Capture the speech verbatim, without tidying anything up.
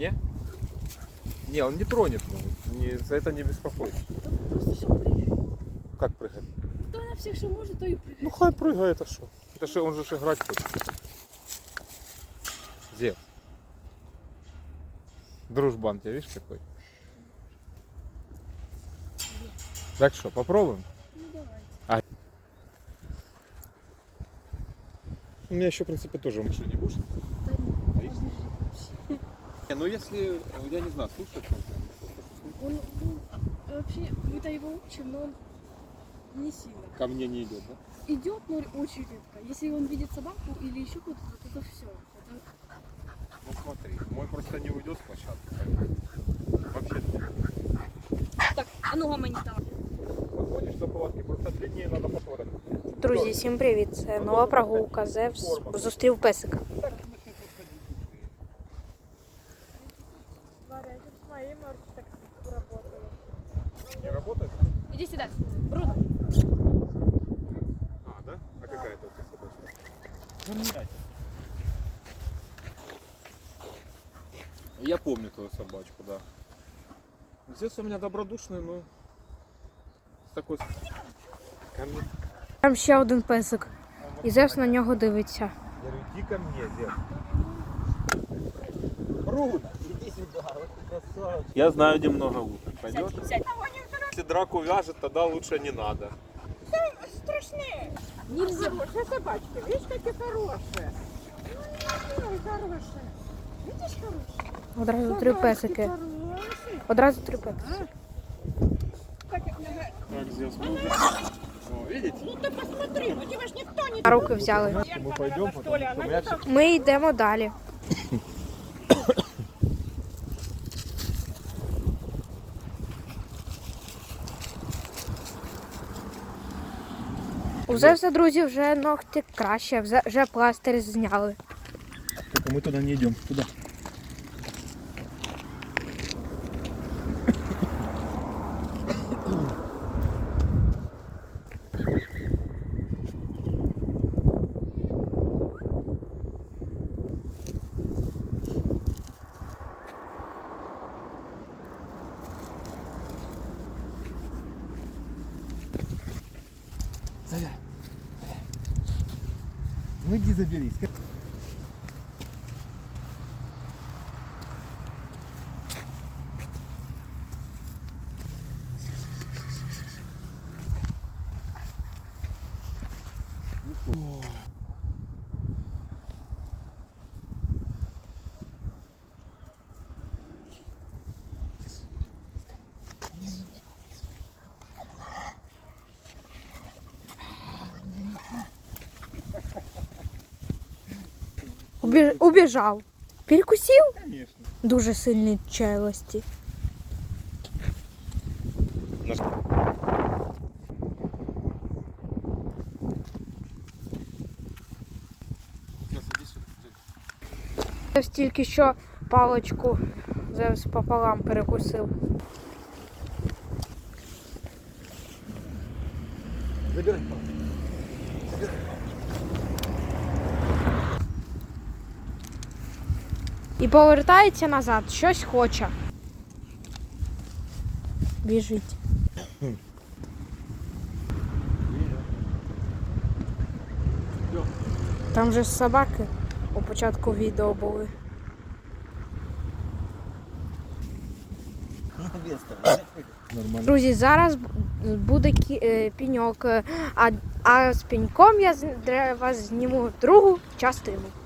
Не? Не, он не тронет. Ну, не, за это не беспокойся. Просто что прыгает. Как прыгать? То на всех, что может, то и прыгает. Ну хай прыгает, а что? Это же он же ж играть хочет. Зев. Дружбан, тебя видишь какой? Так что, попробуем? Ну давайте. А. У меня еще, в принципе, тоже. Ты что, не будешь? Да нет, Боишься? вообще. Не, ну если, я не знаю, слушать. Он, ну, вообще, мы-то его учим, но он не сильно. Ко мне не идет, да? Идет, но очень редко. Если он видит собаку или еще кого-то, то это все. Это... Ну смотри, мой просто не уйдет с площадки. Вообще. Так, а ну гамані там. Подходишь до палатки, просто длиннее надо повторить. Друзі, всім привіт! Це нова прогулка. Зевс зустрів песика. Не работает? Иди сюда, Бруно. А, да? А какая это у тебя собачка? Я помню твою собачку, да. Здесь у меня добродушный, но с такой... Ко мне. Там ще один песик. І Зевс на нього дивиться. Я говорю, иди ко мне, Зев. Брун, иди сюда, вот ты красавчик. Я знаю, где много уток. Пойдет? Если драку вяжет, тогда лучше не надо. Страшные. Нельзя. Хорошие собачки. Видишь, какие хорошие. Ой, хорошие. Видишь, хорошие? Одразу три песики. Хорошие. Одразу три песики. Как их много. Так, Зев, смотри. О, видите? Ну ты посмотри, у тебя ж никто не... На руки взяли. Мы пойдем, Что ли, она не так. Ми йдемо далі. У Зевса, друзі, вже ногті краще, вже- вже пластир зняли. Только мы туда не идем. Туда. Заря. Ну иди заберись. Убіж... Убіжав. Перекусив? Конечно. Дуже сильні челюсті. Зевс тільки що паличку Зевс пополам перекусив. Забирай. І повертається назад, щось хоче. Біжить. Там же ж собаки у початку відео були. Нормально. Друзі, зараз буде кі- е, піньок, е, а, а з піньком я з- для вас зніму другу частину.